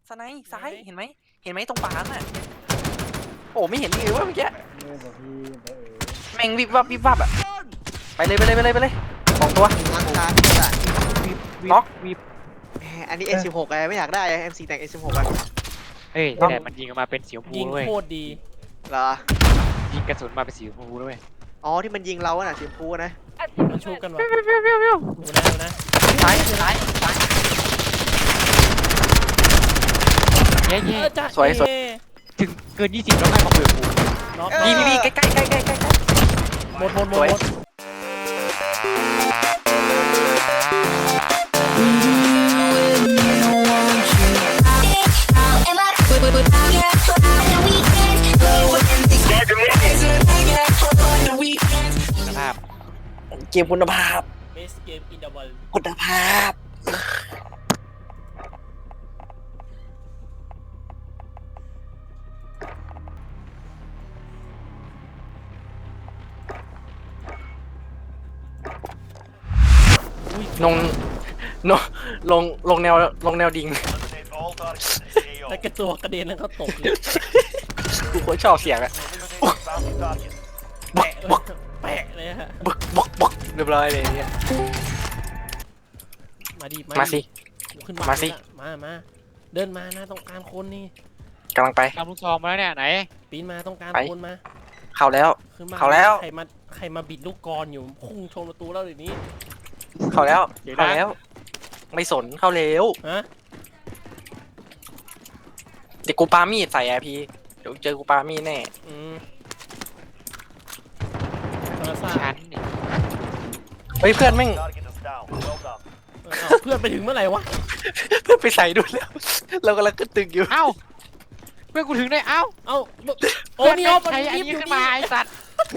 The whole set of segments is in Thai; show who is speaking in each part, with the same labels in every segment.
Speaker 1: สไนด์ซ้ายเห็นไหมตรงป่าน่ะโอ้ไม่เห็นเลยว่าเมื่อกี้แม่งวิบวับอ่ะไปเลยสองตัว
Speaker 2: รักษา
Speaker 1: น็อก
Speaker 3: วิบ
Speaker 2: อันนี้ M16 ไงไม่อยากได้ M4 แต่ง M16 อ่ะ
Speaker 3: เฮ้ยแต่มันยิงออกมาเป็นสีชมพู
Speaker 4: ยิง
Speaker 3: ด้วย
Speaker 4: โคตรดี
Speaker 2: เหรอ
Speaker 3: ยิงกระสุนมาเป็นสีชมพูด้วย
Speaker 2: อ๋อที่มันยิงเราอะน่ะสีชมพูนะ
Speaker 4: มันชุบกันวะดูนะ
Speaker 1: ซ้าย
Speaker 3: เย้
Speaker 4: จ้า
Speaker 1: สวย
Speaker 3: ถึงเกิน20แล้วให้มาคุยกับกู
Speaker 4: น็อก
Speaker 1: พี่ใกล้
Speaker 4: หมด
Speaker 1: สวย
Speaker 3: คุณภาพ
Speaker 1: เกมคุณภาพ
Speaker 4: เบสเกมอินเดอะวอล
Speaker 1: คุณภาพลงแนวดิ่ง
Speaker 4: แต่กระตัวกระเด็นแล้วก็ตกเลย
Speaker 1: กูโคตรชอบเสียงอะ
Speaker 4: แปะแปะเลยฮะ
Speaker 1: บึกเรียบร้อยเลยเนี่ย มาสิ
Speaker 4: ขึ้น
Speaker 1: มาสิ
Speaker 4: มาเดินมานะต้องการคนนี่
Speaker 1: กำลังไป
Speaker 3: ทำลูกซองมาแล้วเนี่ยไหน
Speaker 4: ปีนมาต้องการคนมา
Speaker 1: เข้าแล้ว
Speaker 4: ขึ้นมา
Speaker 1: เข้าแล้ว
Speaker 4: ใครมาบิดลูกกรอยู่พุ่งชนประตูแล้วเดี๋ยวนี้
Speaker 1: เข้าแล้ว ไม่สนเข้าเร็ว
Speaker 4: ฮะ
Speaker 1: เดี๋ยวกูปามีดใส่แอร์พีเดี๋ยวเจอกูปามีดแน่
Speaker 4: ธรรมศาสต
Speaker 3: ชั้น
Speaker 4: ร์
Speaker 3: นี่
Speaker 1: เฮ้ยเพื่อนแม่ง
Speaker 4: เพื่อนไปถึงเมื่อไหร่วะ
Speaker 1: เพื่อนไปใส่ดูแล้ว เรากำลังขึ้นตึกอยู่
Speaker 3: เอ้าเพื่อนกูถึงได้เอ้า
Speaker 4: เอ้าโอ้นี่
Speaker 3: เพื่
Speaker 4: เอา
Speaker 3: ใช้อันนี้ขึ้นมาไอ้สัตว์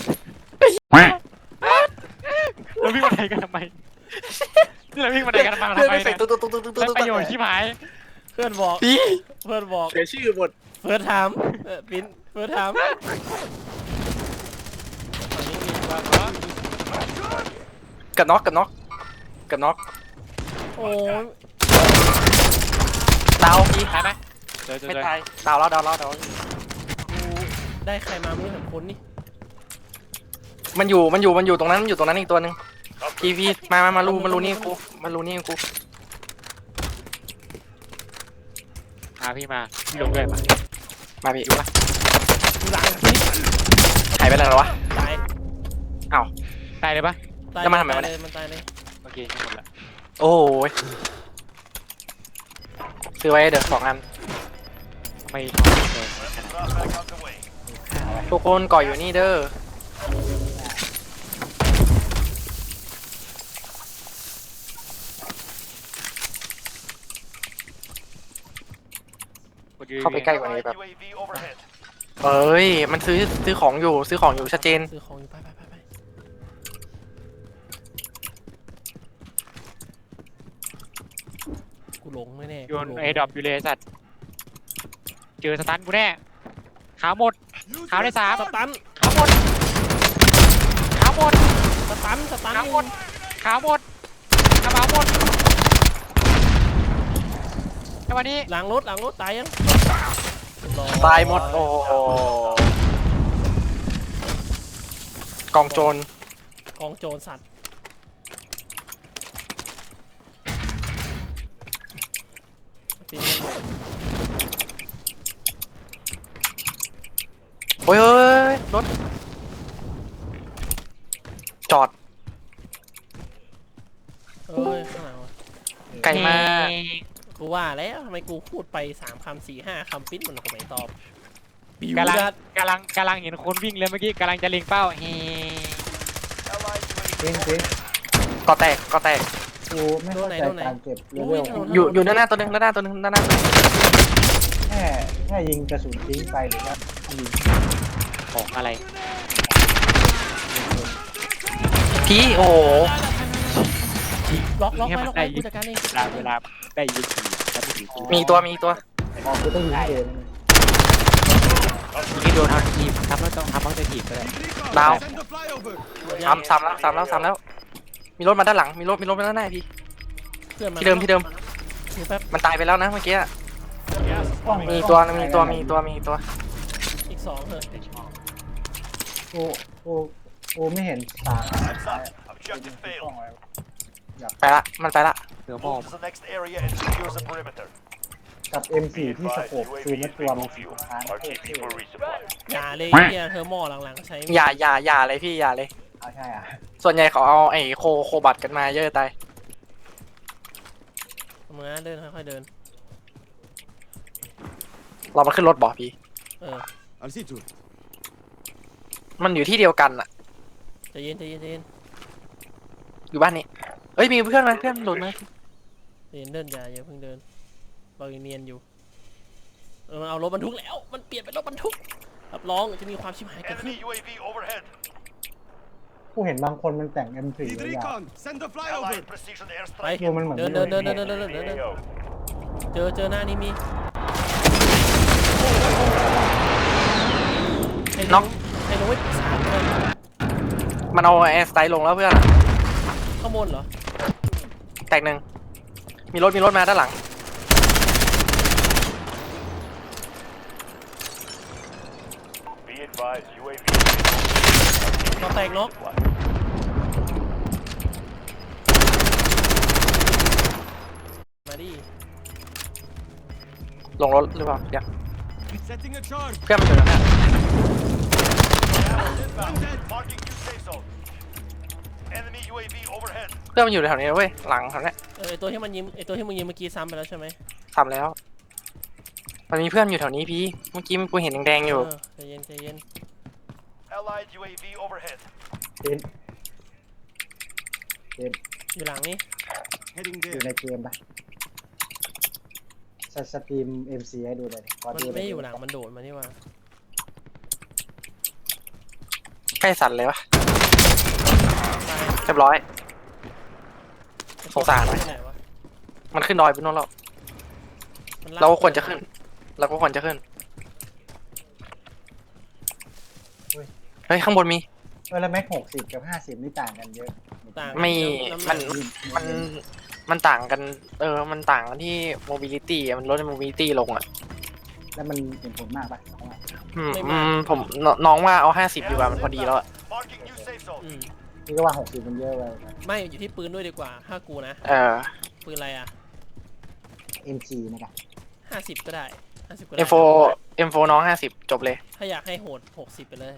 Speaker 3: เราวิ่งมาไหนกันทำไมเราวิ่งมาไหนกันมา
Speaker 1: เพื่อน
Speaker 3: ทำไม
Speaker 1: ไปใส่
Speaker 3: เนี่ย
Speaker 1: ตุ๊
Speaker 3: ประโยชน์ชิบหาย
Speaker 4: เพื่อนบอก
Speaker 1: พี่
Speaker 4: เพื่อนบอก
Speaker 1: เสียชื่อหมด
Speaker 4: เพื่อนถามปิ้นเพื่อนถามตอนนี้มีว่า
Speaker 1: กับน็อก
Speaker 4: โอ้ย
Speaker 1: ดาวพี่
Speaker 3: ตายไหมเจอ
Speaker 1: ไม่ตายดาวแล้ว
Speaker 4: กูได้ใครมาไม่รู้ถึงคนนี่
Speaker 1: มันอยู่ตรงนั้นอีกตัวหนึงพี่มารูนี่กู
Speaker 3: พี่มาพี่ลงด้วยมา
Speaker 1: มาพี่
Speaker 4: หลังนี่
Speaker 1: หายไปไหนแล้ววะ
Speaker 4: ตาย
Speaker 3: ตายเลยปะ
Speaker 4: ตาย
Speaker 1: แล้วมันทำไมวะ
Speaker 4: เล
Speaker 1: เนี่ย
Speaker 4: ยมันตายเลย
Speaker 3: โอเคหมดละ
Speaker 1: โอ้ยซื้อไว้เดี๋ยว2 อัน
Speaker 3: ไม่เลย
Speaker 1: ทุกคนก่ออยู่นี่เด้อเข้าไปใกล้กว่านี้แบบเอ้ยมันซื้อของอยู่ชัดเจน
Speaker 4: ซื้อของอยู่ไปกูหลงไม่แน่
Speaker 3: โยนไอ้ดรอปอยู่เลยสัตว์เจอสตันกูแน่ขาวหมดขาวได้3
Speaker 4: สตัน
Speaker 3: ขาวหมดขาวหมด
Speaker 4: สตัน
Speaker 3: ขาวหมดขาวหมดกระเป๋าหมดในวันนี้
Speaker 4: หลังรถตายยัง
Speaker 1: ตายหมดโอ้โหกองโจร
Speaker 4: กองโจรสัตว์ปีน
Speaker 1: โอ้ยรถจอด
Speaker 4: เอ้ยข้างหลังวะ
Speaker 1: ไกลมาก
Speaker 4: กูว่าแล้วทำไมกูพูดไป3 คำ 4 5 คำปิ้นมันก็ไม่ตอบบิว
Speaker 3: กำลัง
Speaker 4: ดัด
Speaker 3: กำลังเห็นคนวิ่งเลยเมื่อกี้กำลังจะเล็งเป้าเฮ้
Speaker 5: เจ๊ง
Speaker 1: ก็แตก
Speaker 5: กูไม่เข้าใจการเก็บเลเวล
Speaker 1: อยู่ด้านหน้าตัวหนึงด้านหน้าตัวหนึง
Speaker 5: แค่ยิงกระสุนทิ้งไปหรือว่ายิง
Speaker 3: ของอะไร
Speaker 1: พี่โอ้โห
Speaker 4: ล็อกไปกูจัดการเอง
Speaker 3: เวลาได้ยิงแล้วไม่ถือกู
Speaker 1: มีตัว
Speaker 5: อ๋อกูต้องยิงเอง
Speaker 3: ยิงโดนเอาทีมทำแล้วต้องทำต้องจะถีบก็ได้
Speaker 1: ดาวซ้ำแล้วมีรถมาด้านหลังมีรถมาด้านหน้าพี่
Speaker 4: เพื่อนมา
Speaker 1: ที่เดิม
Speaker 4: แป๊บ
Speaker 1: มันตายไปแล้วนะเมื่อกี้
Speaker 4: ส
Speaker 5: กล้อง
Speaker 1: มีตัวมีตัว
Speaker 4: อีกสองเถอะ
Speaker 5: กูไม่เห็นสาม
Speaker 6: Heads up. Objective
Speaker 5: กล้อง
Speaker 6: failed.
Speaker 5: ไว้
Speaker 1: ไปละมันไปละ
Speaker 3: เหลือหมอบ
Speaker 6: Move to the next area and secure the perimeter.
Speaker 5: กับ M4 ที่สโคปคือไม่ตัวมันสีฟ้า
Speaker 6: RTB for resupply.
Speaker 4: อย่าเลยเนี่ยเทอร์โมหลังๆใช้
Speaker 1: อย่าเลยพี่อย่าเลย
Speaker 5: เอาใช่อ่ะ
Speaker 1: ส่วนใหญ่เขาเอาไอ้โคบัตกันมาเยอะตาย
Speaker 4: มือเดินค่อยๆเดิน
Speaker 1: เรามันขึ้นรถบ่พี่
Speaker 4: เออ
Speaker 7: I'll see to it.
Speaker 1: มันอยู่ที่เดียวกันอะ
Speaker 4: ใจเย็นใจเย็นใจเย็น
Speaker 1: อยู่บ้านนี้เอ้ยมีเพื่อนมาเพื่อนหลุดมา
Speaker 4: ใจเย็นเดินอย่าเพิ่งเดินเรายังเนียนอยู่มันเอารถบรรทุกแล้วมันเปลี่ยนเป็นรถบรรทุกรับรองจะมีความชิบหายเกิดขึ้น
Speaker 6: Enemy UAV overhead.
Speaker 5: กูเห็นบางคนมันแต่ง M4
Speaker 7: Need
Speaker 5: ไว้ยาว
Speaker 7: recon. Send the flyover.
Speaker 6: Allied precision
Speaker 4: ไป
Speaker 6: airstrike.
Speaker 5: ดูมันเหมือน
Speaker 4: เดิน
Speaker 5: ไม่
Speaker 4: เดิน
Speaker 5: โด
Speaker 4: เดิน
Speaker 5: น
Speaker 4: เดินเดินเดินเดิน
Speaker 6: AO.
Speaker 4: เจอหน้านี้มี
Speaker 1: น็อก
Speaker 4: ไอ้น้องไม่ปรึกษาเลย
Speaker 1: มันเอาแอร์สไตล์ลงแล้วเพื่อน
Speaker 4: ข้างบนเหรอ
Speaker 1: แตกหนึ่งมีรถมาด้านหลัง
Speaker 6: Be advised, UAV.
Speaker 4: น็อกแตกน็อกมาดิ
Speaker 1: ลงรถหรือเปล่าเดี๋ยว
Speaker 7: Setting a charge.
Speaker 1: เพื่อนมันอยู่ตรงนั้น
Speaker 6: Inbound. Marking new safe zone. Enemy UAV overhead.
Speaker 1: เพื่อนมันอยู่แถวนี้เว้ยหลังแถวนี้
Speaker 4: ไอตัวที่มันยิงไอตัวที่มึงยิงเมื่อกี้ซ้ำไปแล้วใช่ไหม
Speaker 1: ทำแล้ว มันมีเพื่อนอยู่แถวนี้พี่เมื่อกี้กูเห็นแดงๆอยู่
Speaker 4: ใจเย็นใจเย็น
Speaker 6: Allied UAV overhead.
Speaker 5: เต็ม
Speaker 4: อยู่หลังนี้
Speaker 7: Heading
Speaker 5: อยู่
Speaker 7: there.
Speaker 5: ในเกมปะสตรีม MC ให้ดูเลยขอ
Speaker 4: มัน
Speaker 5: ดู
Speaker 4: ไม่อยู่หลังมันโดดมานี่ว่า
Speaker 1: ใกล้สั่นเลยวะ
Speaker 4: ตาย
Speaker 1: เรียบร้อย สงสารไหม
Speaker 4: ไหนวะ
Speaker 1: มันขึ้นดอยไปนู่นแล้ว
Speaker 4: มันลก
Speaker 1: เราก็ควรจะขึ้น เราก็ควรจะขึ้นเฮ้ยข้างบนมี
Speaker 5: แล้วแม็ก60กับ50นี่ต่างกันเยอะ
Speaker 4: ต่าง
Speaker 1: ไม่
Speaker 4: ำห
Speaker 1: มั
Speaker 4: ก
Speaker 1: น มันต่างกันมันต่างกันที่ mobility อะมันลด mobility ลงอ่ะ
Speaker 5: แล้วมันเห็นผลมากปะ
Speaker 1: ผมน้องว่าเอา50ดีกว่ามันพอดีแล้วอะ
Speaker 6: Marking new safe zone.
Speaker 4: อืม
Speaker 5: นี่ก็ว่า60มันเยอะไป
Speaker 4: ไม่อยู่ที่ปืนด้วยดีกว่าถ้ากูนะ ปืนอะไรอ่ะ
Speaker 5: MG นะครับ
Speaker 4: 50ก็ได้50ก็ได้
Speaker 1: M4 น้อง50จบเลย
Speaker 4: ถ้าอยากให้โหด60ไปเลย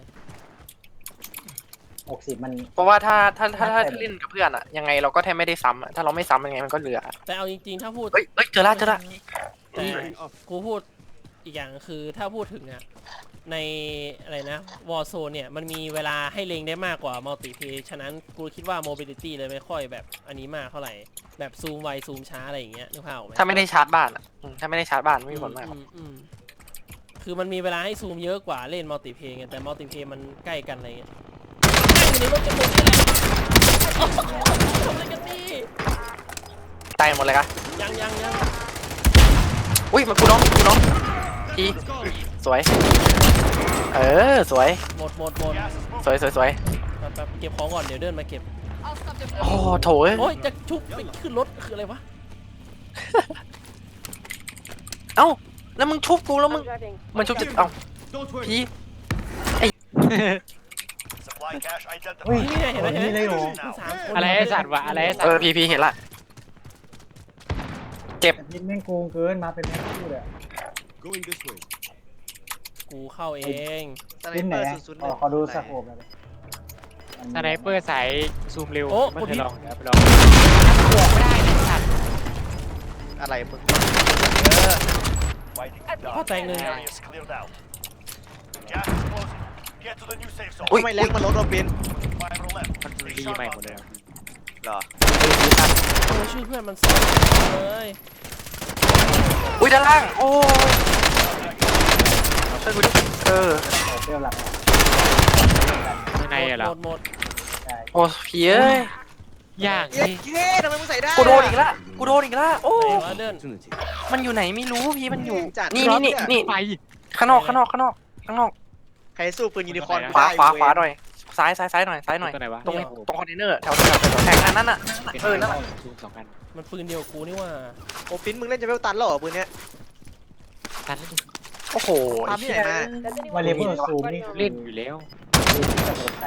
Speaker 5: 60มัน
Speaker 1: เพราะว่าถ้าเล่นกับเพื่อนอะยังไงเราก็แทบไม่ได้ซ้ำอะถ้าเราไม่ซ้ำยังไงมันก็เหลือ
Speaker 4: แต่เอาจริงๆถ้าพูด
Speaker 1: เฮ้ยเจอละ
Speaker 4: แต่
Speaker 7: Firing off.
Speaker 4: กูพูดอีกอย่างคือถ้าพูดถึงอะในอะไรนะ Warzone เนี่ยมันมีเวลาให้เล็งได้มากกว่า Multiplay ฉะนั้นกูคิดว่า Mobility เลยไม่ค่อยแบบอันนี้มากเท่าไหร่แบบซูมไวซูมช้าอะไรอย่างเงี้ยนึกภาพออกไหม
Speaker 1: ถ้าไม่ได้ชาร์จบ้านอะถ้าไม่ได้ชาร์จบ้านไม่มีผลมาก
Speaker 4: คือมันมีเวลาให้ซูมเยอะกว่าเล่น Multiplay ไงแต่ Multiplay มันใกล้กันอะไรเงี้ยอยู่ในรถจะหมดนี่แหละทำอะไรกันนี่
Speaker 1: ตายหมดเลยครับ
Speaker 4: ยัง
Speaker 1: อุ้ยมันกูน้องพี่
Speaker 7: Let's go.
Speaker 1: สวยสวย
Speaker 4: หมด
Speaker 6: Gas is moving.
Speaker 1: สวย
Speaker 4: แป๊บเก็บของก่อนเดี๋ยวเดินมาเก็บ
Speaker 1: โอ้โถเอ้ย
Speaker 4: โอ้ยจะชุบไปขึ้นรถคืออะไรวะ
Speaker 1: เอ้าแล้วมึงชุบกูแล้วมึงมันชุบจะเอ้า
Speaker 7: Don't worry.
Speaker 1: พี่
Speaker 6: Supply cache
Speaker 5: เฮ้ย
Speaker 6: identified.
Speaker 4: นี่ไงเห็นไหม
Speaker 5: นี่เลยเหรอ
Speaker 4: มันสามคน
Speaker 3: อะไรไอ้สัตว์วะอะไรไอ้สัตว์
Speaker 1: พี่เห็นละ
Speaker 5: แต่พิษแม่งโกงเกินมาเป็นแม็กคู่เลย
Speaker 7: Going this way.
Speaker 4: กูเข้าเอง
Speaker 2: สไน
Speaker 5: พิษไห
Speaker 2: เป
Speaker 5: น
Speaker 2: อร์
Speaker 5: อะ
Speaker 2: 001
Speaker 5: ขอดูสโคปเลย
Speaker 3: สไนเปอร์สายซูมเร็ว
Speaker 4: โอ้
Speaker 3: ไม่
Speaker 4: กด
Speaker 3: เค
Speaker 4: ผิ
Speaker 3: ย
Speaker 4: ด
Speaker 3: ลองนะไปลองบวกไม่ได้ไอ้สัตว์
Speaker 2: อะไรมึง
Speaker 6: Fighting is
Speaker 4: พ่อ
Speaker 6: done.
Speaker 4: แตงหนึ่ง
Speaker 6: Area is cleared out. Gas is closing. Get to the new safe zone.
Speaker 1: อุ้ย
Speaker 2: ทำไมแรงมันลดเราเป็น
Speaker 6: Five or left.
Speaker 3: มัน
Speaker 6: Stay
Speaker 3: รี
Speaker 6: sharp
Speaker 3: ใหม่
Speaker 6: out
Speaker 3: หมดเลย
Speaker 6: there.
Speaker 2: เหรอ
Speaker 4: โอ้ชื่อเพื่อนมันซ้ำเลย
Speaker 1: อุ้ยด้านล่างโอ้ช่วยกูดิ
Speaker 5: เปรี้ยวหลัก
Speaker 3: ข้างในอะเหรอ
Speaker 4: หมด
Speaker 5: ใช่
Speaker 1: โอ้พี่เอ้ย
Speaker 3: ยาก
Speaker 2: เย้
Speaker 3: สิ
Speaker 2: เย้ทำไมมึงใส่ได้
Speaker 1: กูโดนอีกละโอ้
Speaker 4: ไหนวะเดิน
Speaker 7: Opportunity.
Speaker 1: มันอยู่ไหนไม่รู้พี่มันอยู่
Speaker 2: จัด
Speaker 1: นี่
Speaker 3: ไป
Speaker 1: ข้างนอก
Speaker 2: ใครสู้ปืนยูนิคอร์น
Speaker 1: ขวา
Speaker 2: ได้
Speaker 1: ขวา
Speaker 2: เว้ย
Speaker 1: ขวาหน่อยซ้ายหน่อย
Speaker 3: ตัวไหนวะ
Speaker 1: ตรงคอนเทนเนอร์แถวแทงนั่นน่ะนั่นแหละ
Speaker 3: ซูม2 กัน
Speaker 4: มันปืนเดียวกับกูนี่ว่า
Speaker 2: โอ้ฟินมึงเล่นจะเวลตันแล้วเหรอปืนเนี้ย
Speaker 3: ใช่ตันแล้วดิ
Speaker 1: โอ้โห
Speaker 2: ตามที่ไหนมา
Speaker 5: วาเลเบิลซูมนี่
Speaker 3: เล่นอยู่แล้ว
Speaker 5: คือที่จะโดนใส่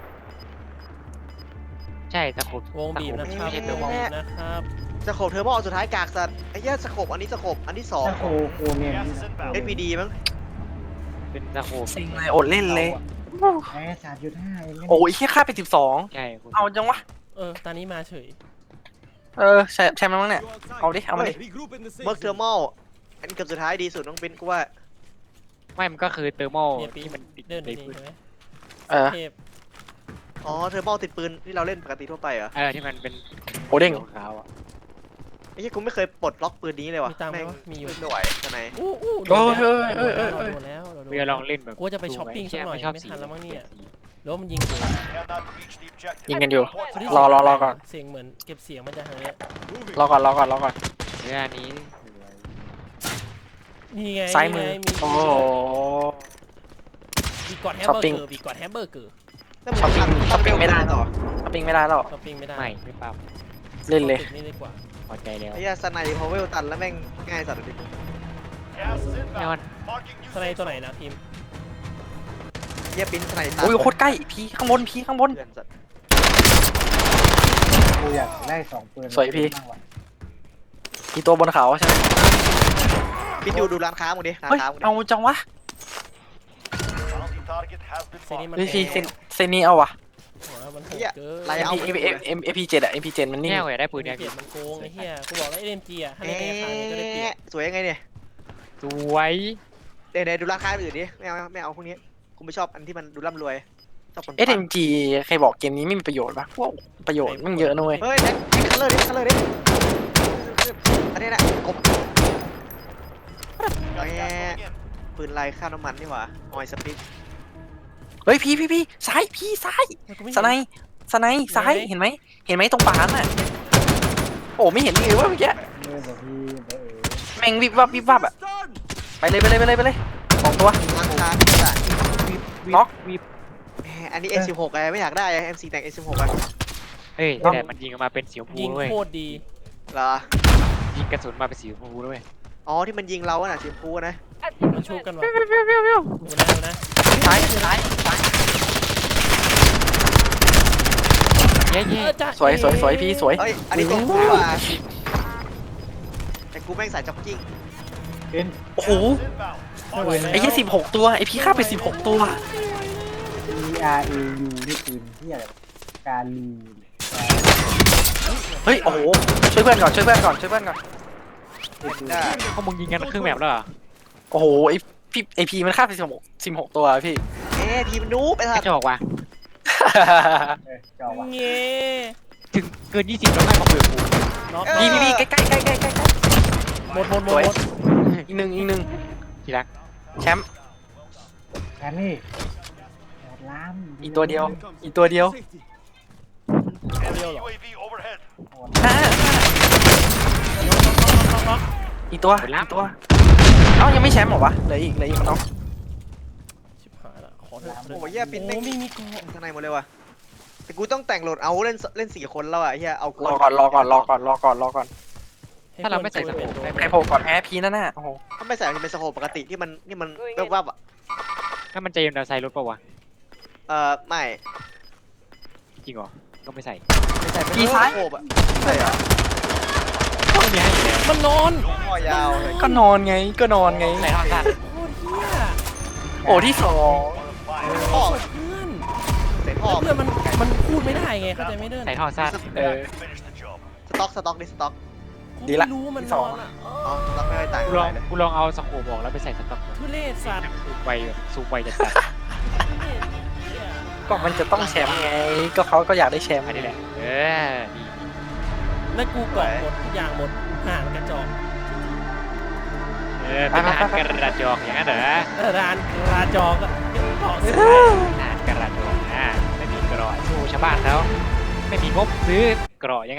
Speaker 3: ใช่ตะขบ
Speaker 4: วงบีบนะครับ
Speaker 3: ไม่ใช่ตัวมอง
Speaker 4: บีบนะครับ
Speaker 2: สโคปเทอร์โมสุดท้ายกากสัตว์ไอ้เหี้ยสโคปอันนี้สโคปอันที่สอง
Speaker 5: ถ้าโคเนียน
Speaker 6: Gas is inbound.
Speaker 2: SPD มั้ง
Speaker 3: เป็นตะขบ
Speaker 1: สิงเลยอดเล่นเลย
Speaker 5: แพ้3.5เอง
Speaker 1: โอ้ยแค่ค่าไป12
Speaker 3: ใช่คุณ
Speaker 1: เอาจังวะ
Speaker 4: ตอนนี้มาเฉย
Speaker 1: แชมป์แล้วมั้งเนี่ย
Speaker 7: Go outside.
Speaker 1: เอาดิ เอามาดิ
Speaker 7: Regroup in the safe
Speaker 2: เมิร์กเทอร์
Speaker 7: zone.
Speaker 2: โมอันนี้เกือบสุดท้ายดีสุดน้องเบนกูว่า
Speaker 3: ไม่มันก็คือเตอร์โม
Speaker 4: เนี่ยปี
Speaker 3: ที่มันติด
Speaker 4: เดิน
Speaker 3: ใน
Speaker 4: นี่
Speaker 3: พื้น
Speaker 4: ใช่ไหม
Speaker 1: เออ
Speaker 4: เทพ
Speaker 2: อ๋อเทอร์โมติดปืนที่เราเล่นปกติทั่วไปเหรอ
Speaker 3: ที่มันเป็น
Speaker 1: โอเด้ง
Speaker 3: ขาวอ่ะ
Speaker 2: ไอ้เหี้ยกูไม่เคยปลดล็อกปืนนี้เลยว่ะ
Speaker 4: มีตังค์ไหม
Speaker 2: แม่ง
Speaker 4: วะมีอยู่
Speaker 2: ไม่ไหวทนาย
Speaker 4: อู้อู้
Speaker 1: โอ้ย
Speaker 4: โด
Speaker 1: เฮ้ย
Speaker 4: น
Speaker 1: เฮ้ย
Speaker 4: แล้ว
Speaker 1: เฮ้ยเฮ้ย
Speaker 4: โดนแล้วเราโดน
Speaker 3: เรือลองเล่นแบบ
Speaker 4: กูจะไปช้อปปิ้งสักหน่อย
Speaker 3: ชอบ
Speaker 4: ไม่
Speaker 3: สี
Speaker 4: ทันแล้วมั้งเนี่ย
Speaker 3: สี
Speaker 4: แล้วมันยิงกู
Speaker 6: Cannot reach the objective.
Speaker 1: ยิงกันอยู่
Speaker 4: คนที่
Speaker 1: รอก่อน
Speaker 4: เสียงเหมือนเก็บเสียงมันจะทางเนี้ย
Speaker 7: Moving.
Speaker 1: รอก่อนรอก่อนรอก่อน
Speaker 3: เรือนี้
Speaker 4: นี่ไง
Speaker 1: ซ้ายมือ
Speaker 4: นี่ไงมี
Speaker 1: โอ้โห
Speaker 4: บีกอดแฮม
Speaker 1: ช้อ
Speaker 4: เบ
Speaker 1: ป
Speaker 4: อ
Speaker 1: ปิ้ง
Speaker 4: ร์เกอร์บีกอดแฮมเบอร์เกอร์
Speaker 2: แล้วมึง
Speaker 1: ช้อปปิ้งไม่ได้
Speaker 2: ต่อ
Speaker 1: ช้อปปิ้งไม่ได้แล้ว
Speaker 4: ช้อปปิ้งไม่ได้
Speaker 3: ไม่ปรับ
Speaker 1: เล่นเลย
Speaker 4: อาตึกนี่ดีกว่า
Speaker 3: พอใจแล้ว
Speaker 2: ไอ้เหี้ยสไนด์พาวเวลตันแล้วแม่งง่ายสัตว์เลย
Speaker 6: Gas is
Speaker 3: แน่นอน
Speaker 6: inbound. Marking new
Speaker 4: สไน
Speaker 6: safe
Speaker 4: ตัวไหน
Speaker 6: zone.
Speaker 4: นะทีม
Speaker 2: เหี้ยปิ้นสไนด์ตัน
Speaker 1: อุ้ยโคตรใกล้พี่ข้างบนพี่ข้างบน
Speaker 2: เพื่อนสัตว์
Speaker 5: กูอยากได้2ปืน
Speaker 1: สวยพี่ มีตัวบนเขาใช่ไหม
Speaker 2: ปิ้นดูร้านค้ามึงดิร้าน
Speaker 1: เฮ้ย
Speaker 2: ค้ามึงดิ
Speaker 1: เอาจังวะ
Speaker 6: Bounty target has been
Speaker 4: เซนี่
Speaker 6: marked.
Speaker 4: มัน
Speaker 1: เฮ้ย
Speaker 4: โห
Speaker 1: พี่
Speaker 4: ด
Speaker 1: เซนี่เอาวะ
Speaker 4: หัวมันโหด
Speaker 2: เหี้ย
Speaker 4: เกิน
Speaker 2: ไรเอา
Speaker 1: MP7 อะ MP7 มันนิ่ง
Speaker 3: แง่อยากได้ปืน
Speaker 4: เป
Speaker 3: เนี่ย
Speaker 4: ลี่ยนมันโกงไอ้เหี้ยกูบอกแล้ว LMG อ่ะถ้าในราคานี้ก็ได้เปรียบ
Speaker 2: สวยยังไงเนี่ย
Speaker 3: สวย
Speaker 2: เดี๋ยวดูร้านค้าอื่นดิไม่เอาพวกนี้กูไม่ชอบอันที่มันดูร่ำรวยชอบคน
Speaker 1: SMG ใครบอกเกมนี้ไม่มีประโยชน์ปะว้าวประโยชน์มันเยอะนะเว้ย
Speaker 2: เฮ้ยแท็กคัลเลอร์ดิคัลเลอร์ดิอันนี้แหละกบ
Speaker 6: Got gas moving in.
Speaker 2: ปืนลายค่าน้ำมันนี่หว่าออยสปิก
Speaker 1: เฮ้ยพี่ซ้ายพี่ซ้าย
Speaker 4: กูไม่
Speaker 1: สไนด์สไนด์ซ้ายเห็นไหมตรงป่าน่ะโอ้ไม่เห็นเลยว่าเมื่อกี้
Speaker 5: เมื่อแบบพี่เออ
Speaker 1: แม่งวิบวับอะ
Speaker 7: Done.
Speaker 1: ไปเลยสองตัว
Speaker 2: ร้านค้าที่ต่าง
Speaker 1: น็อก
Speaker 2: อันนี้ S16 ไงไม่อยากได้ MC แต่ง S16 อ่ะ
Speaker 3: เฮ้ยแต่มันยิงออกมาเป็นสีชมพู
Speaker 4: ยิง
Speaker 3: ด้วย
Speaker 4: โคตรดี
Speaker 2: เหรอ
Speaker 3: ยิงกระสุนมาเป็นสีชมพูด้วย
Speaker 2: อ๋อที่มันยิงเราอะน่ะสีชมพูนะ
Speaker 4: มันชุบกันวะดูนะ
Speaker 1: ซ้าย
Speaker 3: เย้
Speaker 4: จ้ะ
Speaker 1: สวยพี่สวย
Speaker 2: เฮ้ยอันนี้ตัวกูว่ะแต่กูแม่งสายจ็อกกิ้ง
Speaker 5: เป็น
Speaker 1: โอ้โห
Speaker 6: Inbound.
Speaker 1: ไอ้ยี่16 ตัวไอ้พี่ฆ่าไป16 ตัว
Speaker 5: ERAU นี่ปืนที่อะไรการลู
Speaker 1: เฮ้ยโอ้โหช่วยเพื่อนก่อน
Speaker 2: ได้
Speaker 3: พวกมึงยิงกันครึ่งแมปแล้วเหรอ
Speaker 1: โอ้โหไอพีมันฆ่าไป16 ตัวพี่
Speaker 2: ทีมนูบไอ้
Speaker 3: ไม่
Speaker 2: สัตว์
Speaker 3: จะบอกว่า
Speaker 5: จอวะ
Speaker 4: เงี้
Speaker 3: ถึงเกิน20แล้วให้มาคุยกับกู
Speaker 4: น็อก
Speaker 1: พี่ใกล้
Speaker 4: หมด
Speaker 1: อีกหนึ่ง
Speaker 3: ทีรัก
Speaker 1: แชมป์
Speaker 5: แค่นี้หมดล้าม
Speaker 1: อีกตัวเดียว อีกตัวเดียว
Speaker 7: Safety.
Speaker 6: Enemy UAV overhead.
Speaker 1: อีกตัวเอ้ายังไม่แชมป์เหรอวะเหลืออีกน้อง
Speaker 4: ชิบหายละขอเถอะ
Speaker 2: โอ้ยเหี้ยปิ้น
Speaker 4: โอ้
Speaker 2: แม่ง
Speaker 4: ไม่มีเกาะ
Speaker 2: ข้างในหมดเลยว่ะแต่กูต้องแต่งโหลดเอาเล่น4 คนแล้วอ่ะเฮียเอา
Speaker 1: รอก่อน
Speaker 3: ถ้าเราไม่ใส่สโคปได้
Speaker 1: ใครโผล่ก่อนแพ้พีนั่นน่ะโอ้โห
Speaker 2: ถ้าไม่ใส่มันจะเป็นสโคปปกติที่มันแวบๆอ่ะ
Speaker 3: ถ้ามันจะยิงดาวไซด์รถป่าวะ
Speaker 2: ไม่
Speaker 3: จริงเหรอก็ไม่ใส่
Speaker 2: ไม่ใส่เป็นสโคปอ่ะใช่เหรอ
Speaker 3: ไม่มีให้อยู่แล้ว
Speaker 4: มันนอน
Speaker 2: คอยาวเลย
Speaker 1: ก็นอนไง
Speaker 3: ใส่ท่อสั้น
Speaker 4: โคตรเหี้ย
Speaker 1: โอ้ที่ 2
Speaker 2: พ่อ
Speaker 4: เพื่อน
Speaker 2: ใส่พ่อ
Speaker 4: เพื่อนมันพูดไม่ได้ไงเข้าใจไม่เดิน
Speaker 3: ใส่ท่อสั้น
Speaker 6: Finish the job.
Speaker 2: สต็อกดิสต็อก
Speaker 4: กู
Speaker 1: ดีละ
Speaker 4: ไม่รู้มัน
Speaker 1: ที่
Speaker 4: น
Speaker 1: สอ
Speaker 4: อง นอ่ะ
Speaker 2: อ๋อสต็อกไม่ได้ต่าง
Speaker 3: กู
Speaker 2: กัน
Speaker 3: ลอง
Speaker 2: เลย
Speaker 3: กูลองเอาสโคปออกแล้วไปใส่สต็อก
Speaker 4: ทุเรศสัตว์
Speaker 3: ซูมไปแบบซูมไปจัด
Speaker 1: ก็มันจะต้องแชมป์ไง ก็เขาก็อยากได้แชมป์
Speaker 3: ๆอันนี้แหละดี
Speaker 4: แล้วกูกรอกหมดทุกอย่างหมดห่านกระจอก
Speaker 3: เป็นทหารกระจอกอย่างนั้นเหรอ
Speaker 4: ร้านกระจอกอะกรอกเสื้อ
Speaker 3: ทหารกระจอกไม่มีกรอสู้ชาวบ้านเขาไม่มีงบซื้อกรอยัง